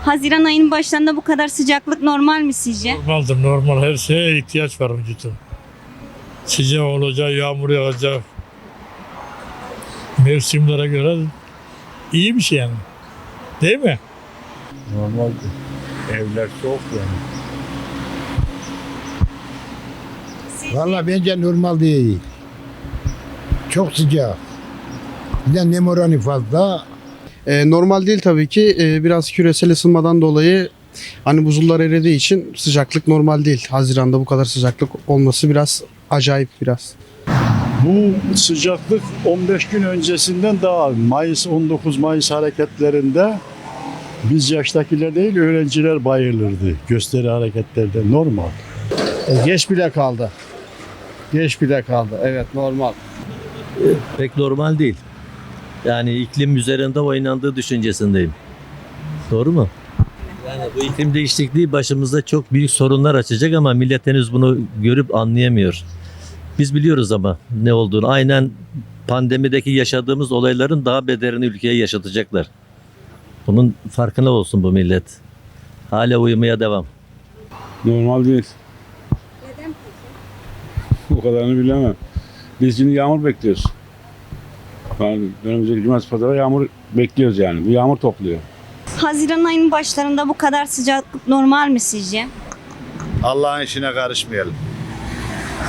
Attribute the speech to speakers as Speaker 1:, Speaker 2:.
Speaker 1: Haziran ayının başlarında bu kadar sıcaklık normal mi sizce?
Speaker 2: Normaldir, normal. Her şeye ihtiyaç var vücudun. Sıcak olacak, yağmur yağacak. Mevsimlere göre iyi bir şey yani. Değil mi?
Speaker 3: Normaldir. Evler soğuk yani.
Speaker 4: Vallahi bence normal değil. Çok sıcak. Bir de nem oranı fazla.
Speaker 5: Normal değil tabii ki. Biraz küresel ısınmadan dolayı hani buzullar eridiği için sıcaklık normal değil. Haziran'da bu kadar sıcaklık olması biraz acayip biraz.
Speaker 3: Bu sıcaklık 15 gün öncesinden daha Mayıs 19 Mayıs hareketlerinde biz yaştakiler değil öğrenciler bayılırdı gösteri hareketlerde normal.
Speaker 6: Geç bile kaldı. Geç bile kaldı. Evet, normal.
Speaker 7: Pek normal değil. Yani iklim üzerinde oynandığı düşüncesindeyim. Doğru mu? Yani bu iklim değişikliği başımızda çok büyük sorunlar açacak ama millet henüz bunu görüp anlayamıyor. Biz biliyoruz ama ne olduğunu. Aynen pandemideki yaşadığımız olayların daha beterini ülkeye yaşatacaklar. Bunun farkına olsun bu millet. Hala uyumaya devam.
Speaker 8: Normal değil. Neden peki? O kadarını bilemem. Biz şimdi yağmur bekliyoruz. Yani önümüzdeki cumartesi pazara yağmur bekliyoruz yani. Bu yağmur topluyor.
Speaker 1: Haziran ayının başlarında bu kadar sıcaklık normal mi sizce?
Speaker 9: Allah'ın işine karışmayalım.